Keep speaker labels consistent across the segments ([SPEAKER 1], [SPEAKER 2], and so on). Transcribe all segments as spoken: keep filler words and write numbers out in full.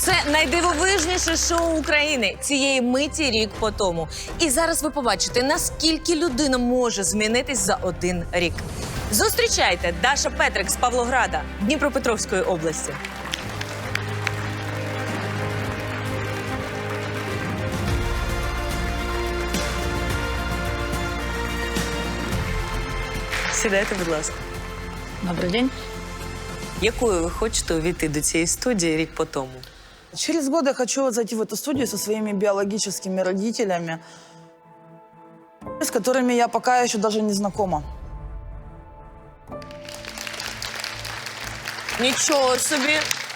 [SPEAKER 1] Це найдивовижніше шоу України цієї миті рік по тому. І зараз ви побачите, наскільки людина може змінитись за один рік. Зустрічайте, Даша Петрик з Павлограда, Дніпропетровської області. Сідайте, будь ласка.
[SPEAKER 2] Добрый день.
[SPEAKER 1] Якою ви хочете увійти до цієї студії рік по тому?
[SPEAKER 2] Через год я хочу зайти в эту студию со своими биологическими родителями, с которыми я пока еще даже не знакома.
[SPEAKER 1] Нічого собі.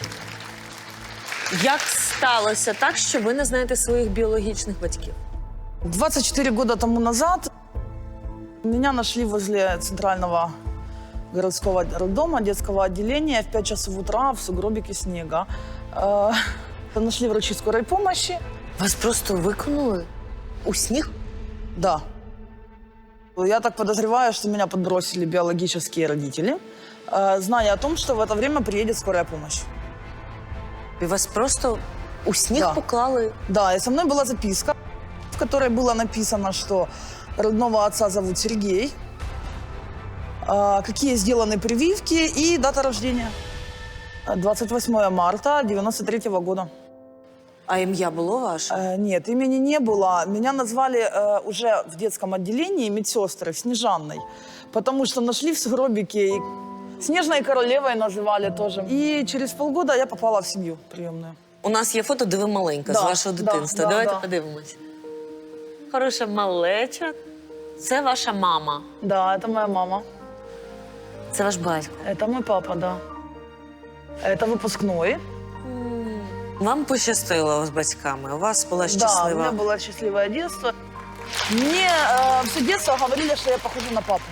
[SPEAKER 1] Як сталося так, що ви не знаєте своїх біологічних батьків?
[SPEAKER 2] двадцать четыре года тому назад меня нашли возле центрального городского роддома, детского отделения в пять часов утра в сугробике снега. Э, Нашли врачи скорой помощи.
[SPEAKER 1] Вас просто викинули у сніг?
[SPEAKER 2] Да. Я так подозреваю, что меня подбросили биологические родители, э, зная о том, что в это время приедет скорая помощь.
[SPEAKER 1] І вас просто у сніг
[SPEAKER 2] Да.
[SPEAKER 1] поклали?
[SPEAKER 2] Да, и со мной была записка, в которой было написано, что родного отца зовут Сергей, э, какие сделаны прививки и дата рождения. двадцать восьмое марта девяносто третьего года.
[SPEAKER 1] А ім'я було ваше?
[SPEAKER 2] Э, Нет, имени не было. Меня назвали э, уже в детском отделении медсестры Снежанной, потому что нашли в сугробике и Снежной королевой называли тоже. И через полгода я попала в семью приемную.
[SPEAKER 1] У нас є фото, де ви маленька,
[SPEAKER 2] Да,
[SPEAKER 1] з вашого
[SPEAKER 2] да,
[SPEAKER 1] дитинства.
[SPEAKER 2] да,
[SPEAKER 1] Давайте
[SPEAKER 2] да.
[SPEAKER 1] подивимось. Хороша малеча. Це ваша мама.
[SPEAKER 2] Да, это моя мама.
[SPEAKER 1] Це ваш батько.
[SPEAKER 2] Это мой папа, да. Это выпускной.
[SPEAKER 1] Вам пощастило з батьками, у вас була
[SPEAKER 2] Да, у
[SPEAKER 1] щаслива.
[SPEAKER 2] меня было счастливое детство. Мне э, все детство говорили, что я похожа на папу.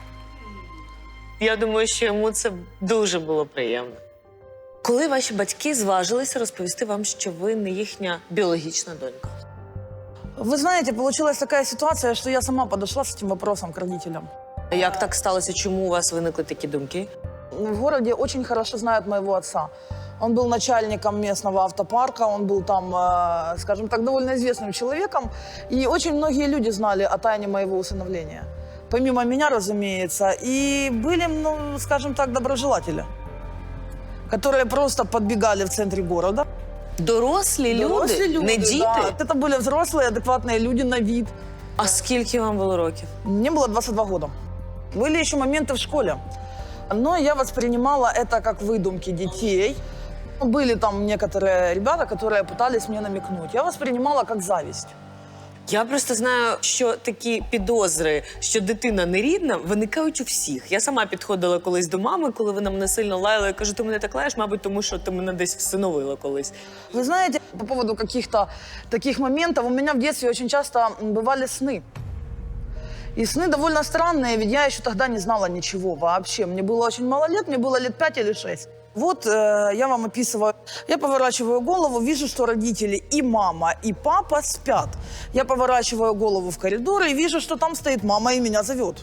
[SPEAKER 1] Я думаю, що йому це дуже було приємно. Коли ваші батьки зважилися розповісти вам, що ви не їхня біологічна донька?
[SPEAKER 2] Вы знаете, получилась такая ситуация, что я сама подошла с этим вопросом к родителям.
[SPEAKER 1] Як так сталося? Чому у вас виникли такі думки?
[SPEAKER 2] В городе очень хорошо знают моего отца. Он был начальником местного автопарка, он был там, э, скажем так, довольно известным человеком. И очень многие люди знали о тайне моего усыновления. Помимо меня, разумеется. И были, ну, скажем так, доброжелатели, которые просто подбегали в центре города.
[SPEAKER 1] Дорослі люди?
[SPEAKER 2] Дорослі люди,
[SPEAKER 1] Не діти?
[SPEAKER 2] да. Это были взрослые, адекватные люди на вид.
[SPEAKER 1] А скільки вам було років?
[SPEAKER 2] Мне было двадцать два года. Были еще моменты в школе. Но я воспринимала это как выдумки детей. Были там некоторые ребята, которые пытались мне намекнуть. Я воспринимала как зависть.
[SPEAKER 1] Я просто знаю, що такі підозри, що дитина не рідна, виникають у всіх. Я сама підходила колись до мами, коли вона мене сильно лаяла. Я кажу, ти мене так лаєш, мабуть, тому що ти мене десь всиновила колись.
[SPEAKER 2] Вы знаете, по поводу каких-то таких моментов, у меня в детстве очень часто бывали сны. И сны довольно странные, ведь я еще тогда не знала ничего вообще. Мне было очень мало лет, мне было лет пять или шесть. Вот э, я вам описываю. Я поворачиваю голову, вижу, что родители и мама, и папа спят. Я поворачиваю голову в коридор и вижу, что там стоит мама и меня зовет.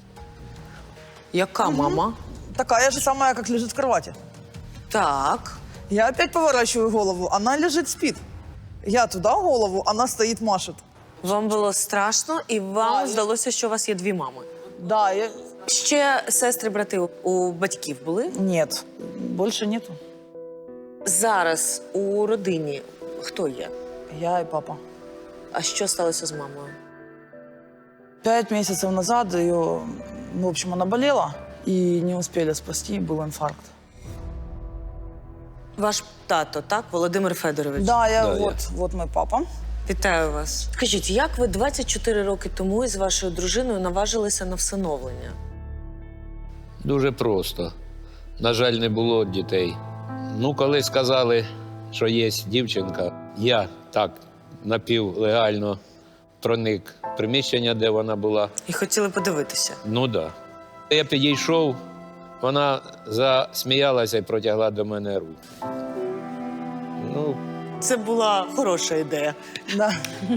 [SPEAKER 1] Яка мама?
[SPEAKER 2] Такая же самая, как лежит в кровати.
[SPEAKER 1] Так.
[SPEAKER 2] Я опять поворачиваю голову, она лежит, спит. Я туда голову, она стоит, машет.
[SPEAKER 1] Вам було страшно, і вам
[SPEAKER 2] Да, я-
[SPEAKER 1] здалося, що у вас є дві мами.
[SPEAKER 2] Да, я...
[SPEAKER 1] Ще сестри-брати у батьків були?
[SPEAKER 2] Нет, больше нету.
[SPEAKER 1] Зараз у родині хто є?
[SPEAKER 2] Я и папа.
[SPEAKER 1] А що сталося з мамою?
[SPEAKER 2] Пять месяцев назад ее, в общем, она болела и не успели спасти, был инфаркт.
[SPEAKER 1] Ваш тато, так? Володимир Федорович?
[SPEAKER 2] Да, я
[SPEAKER 3] Да,
[SPEAKER 2] вот, вот мой папа.
[SPEAKER 1] Вітаю вас. Скажіть, як ви двадцять чотири роки тому із вашою дружиною наважилися на всиновлення?
[SPEAKER 3] Дуже просто. На жаль, не було дітей. Ну, коли сказали, що є дівчинка, я так напівлегально проник в приміщення, де вона була.
[SPEAKER 1] І хотіли подивитися.
[SPEAKER 3] Ну так. Да. Я підійшов, вона засміялася і протягла до мене руку. Ну,
[SPEAKER 1] Це була хороша ідея.
[SPEAKER 2] Да.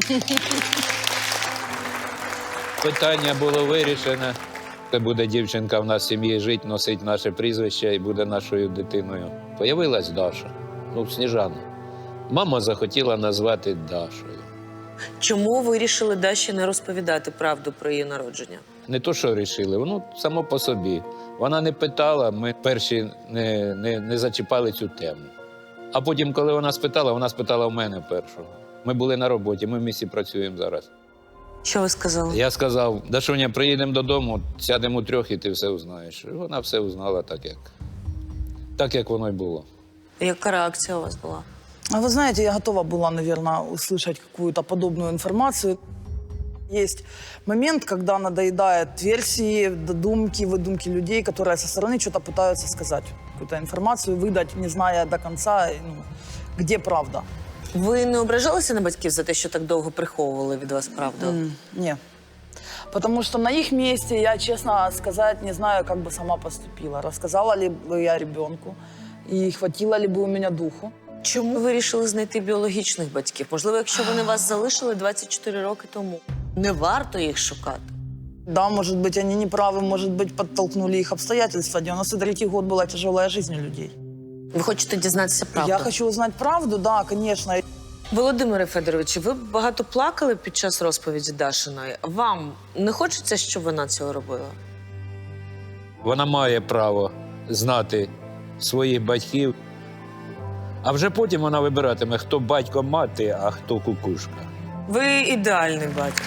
[SPEAKER 3] питання було вирішено. Це буде дівчинка в нас в сім'ї жити, носить наше прізвище і буде нашою дитиною. Появилась Даша, ну, Сніжана. Мама захотіла назвати Дашою.
[SPEAKER 1] Чому ви вирішили Даші не розповідати правду про її народження?
[SPEAKER 3] Не то, що вирішили, воно само по собі. Вона не питала, ми перші не, не, не зачіпали цю тему. А потім, коли вона спитала, вона спитала в мене першого. Ми були на роботі, ми в місті працюємо зараз.
[SPEAKER 1] Що ви сказали?
[SPEAKER 3] Я сказав: Дашуня, приїдемо додому, сядемо трьох і ти все узнаєш. І вона все узнала так, як, так, як воно й було.
[SPEAKER 1] Яка реакція у вас була?
[SPEAKER 2] А вы знаете, я готова была, наверное, услышать какую-то подобную информацию. Есть момент, когда надоедает версии, додумки, выдумки людей, которые со стороны что-то пытаются сказать. Какую-то информацию выдать, не зная до конца, ну, где правда.
[SPEAKER 1] Ви не ображалися на батьків за те, що так довго приховували від вас правду?
[SPEAKER 2] М, Не. Потому что на их месте я, честно сказать, не знаю, как бы сама поступила. Рассказала ли бы я ребенку, и хватило ли бы у меня духу.
[SPEAKER 1] Чому ви вирішили знайти біологічних батьків? Можливо, якщо вони вас залишили двадцять чотири роки тому, не варто їх шукати?
[SPEAKER 2] Да, может быть, они не правы, может быть, подтолкнули их обстоятельства. девяносто третий год была тяжелая жизнь у людей.
[SPEAKER 1] Ви хочете дізнатися правду?
[SPEAKER 2] Я хочу узнать правду, да, конечно.
[SPEAKER 1] Володимире Федоровичу, ви багато плакали під час розповіді Дашиної. Вам не хочеться, щоб вона цього робила?
[SPEAKER 3] Вона має право знати своїх батьків, а вже потім вона вибиратиме, хто батько мати, а хто кукушка.
[SPEAKER 1] Ви ідеальний батько.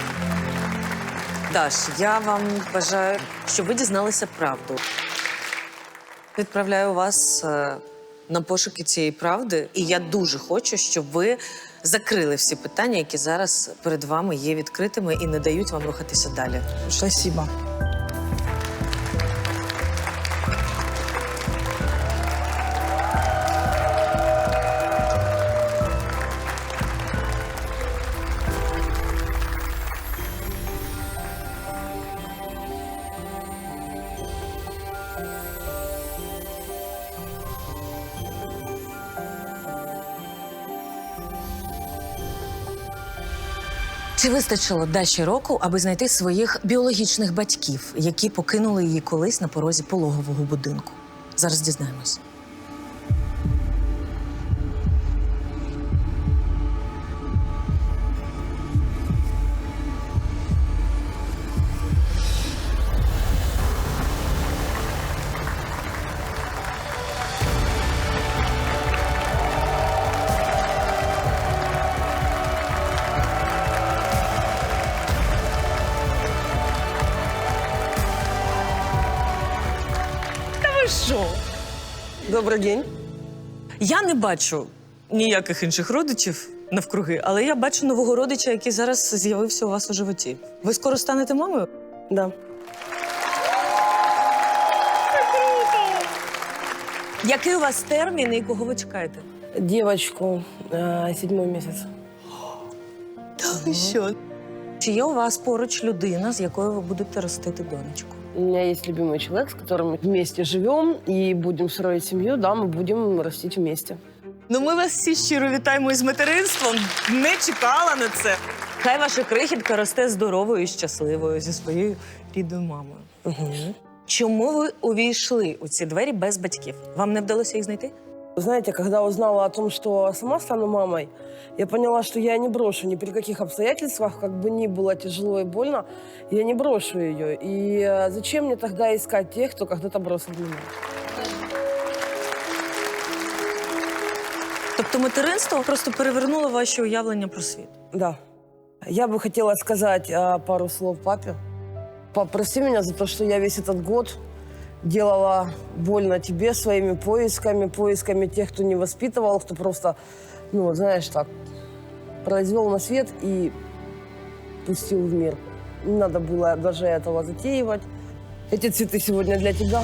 [SPEAKER 1] Даш, я вам бажаю, щоб ви дізналися правду. Відправляю вас е, на пошуки цієї правди, і я дуже хочу, щоб ви закрили всі питання, які зараз перед вами є відкритими і не дають вам рухатися далі.
[SPEAKER 2] Спасибо.
[SPEAKER 1] Чи вистачило Даші року, аби знайти своїх біологічних батьків, які покинули її колись на порозі пологового будинку? Зараз дізнаємось. Що?
[SPEAKER 4] Добрий день.
[SPEAKER 1] Я не бачу ніяких інших родичів навкруги, але я бачу нового родича, який зараз з'явився у вас у животі. Ви скоро станете мамою?
[SPEAKER 4] Да.
[SPEAKER 1] Який у вас термін і кого ви чекаєте?
[SPEAKER 4] Девочку, э, седьмой месяц.
[SPEAKER 1] Та що? Чи є у вас поруч людина, з якою ви будете ростити донечку?
[SPEAKER 4] У меня есть любимый человек, с которым мы вместе живем и будем строить семью, да, мы будем растить вместе.
[SPEAKER 1] Ну, ми вас всі щиро вітаємо із материнством. Не чекала на це. Хай ваша крихітка росте здоровою і щасливою зі своєю рідною мамою.
[SPEAKER 4] Угу.
[SPEAKER 1] Чому ви увійшли у ці двері без батьків? Вам не вдалося їх знайти?
[SPEAKER 4] Знаете, когда узнала о том, что сама стану мамой, я поняла, что я не брошу ни при каких обстоятельствах, как бы ни было тяжело и больно, я не брошу ее. И э, зачем мне тогда искать тех, кто когда-то бросил меня?
[SPEAKER 1] Тобто материнство просто перевернуло ваші уявлення про світ?
[SPEAKER 4] Да. Я бы хотела сказать э, пару слов папе. Пап, прости меня за то, что я весь этот год делала больно тебе своими поисками, поисками тех, кто не воспитывал, кто просто, ну, знаешь, так, произвел на свет и пустил в мир. Не надо было даже этого затеивать. Эти цветы сегодня для тебя.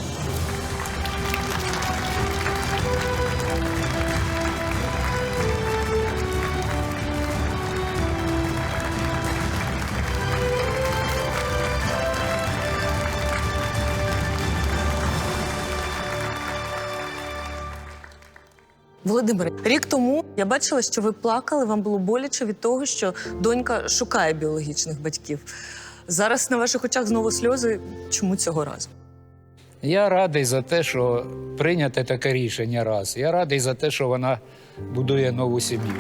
[SPEAKER 1] Володимире, рік тому я бачила, що ви плакали, вам було боляче від того, що донька шукає біологічних батьків. Зараз на ваших очах знову сльози. Чому цього разу?
[SPEAKER 5] Я радий за те, що прийняте таке рішення раз. Я радий за те, що вона будує нову сім'ю.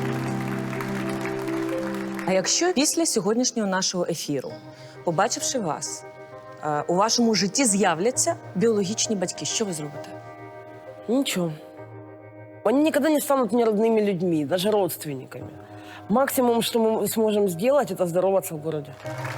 [SPEAKER 1] А якщо після сьогоднішнього нашого ефіру, побачивши вас, е, у вашому житті з'являться біологічні батьки, що ви зробите?
[SPEAKER 4] Ничего. Они никогда не станут мне родными людьми, даже родственниками. Максимум, что мы сможем сделать, это здороваться в городе.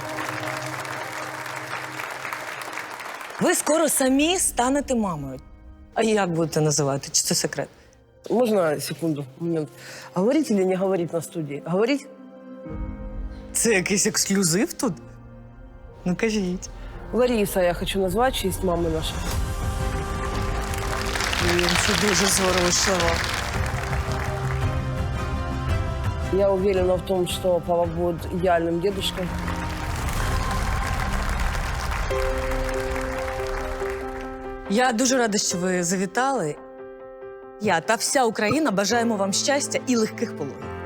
[SPEAKER 1] Ви скоро самі станете мамою. А як будете називати? Чи це секрет?
[SPEAKER 4] Можно секунду, момент? Говорить или не говорить на студии? Говорить?
[SPEAKER 1] Це якийсь ексклюзив тут? Ну кажіть.
[SPEAKER 4] Лариса я хочу назвать в честь мамы нашей.
[SPEAKER 1] Блін, це дуже зворушливо.
[SPEAKER 4] Я уверена в том, что папа будет идеальным дедушкой.
[SPEAKER 1] Я дуже рада, що ви завітали. Я та вся Україна бажаємо вам щастя і легких пологів.